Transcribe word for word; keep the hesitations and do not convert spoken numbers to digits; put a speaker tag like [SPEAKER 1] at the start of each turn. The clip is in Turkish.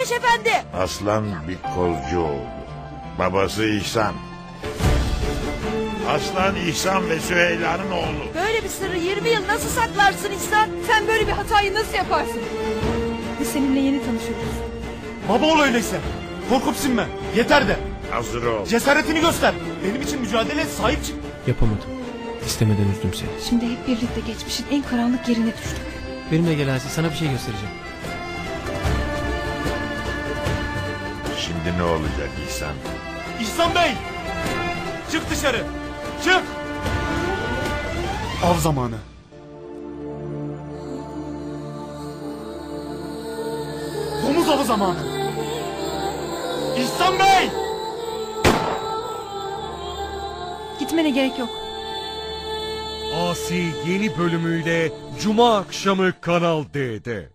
[SPEAKER 1] Efendi.
[SPEAKER 2] Aslan bir kolcu oldu. Babası İhsan. Aslan İhsan ve Süheyla'nın oğlu.
[SPEAKER 1] Böyle bir sırrı yirmi yıl nasıl saklarsın İhsan?
[SPEAKER 3] Sen böyle bir hatayı nasıl yaparsın? Biz seninle yeni tanışıyoruz.
[SPEAKER 4] Baba ol öyleyse. Korkup sinme. Yeter de.
[SPEAKER 2] Hazır ol.
[SPEAKER 4] Cesaretini göster. Benim için mücadele et, sahip çık.
[SPEAKER 5] Yapamadım. İstemeden üzdüm seni.
[SPEAKER 3] Şimdi hep birlikte geçmişin en karanlık yerine düştük.
[SPEAKER 5] Benimle gel Asi, sana bir şey göstereceğim.
[SPEAKER 2] Şimdi ne olacak İhsan?
[SPEAKER 4] İhsan Bey! Çık dışarı. Çık! Av zamanı. Domuz avı zamanı. İhsan Bey!
[SPEAKER 3] Gitmene gerek yok.
[SPEAKER 6] Asi yeni bölümüyle Cuma akşamı Kanal D'de.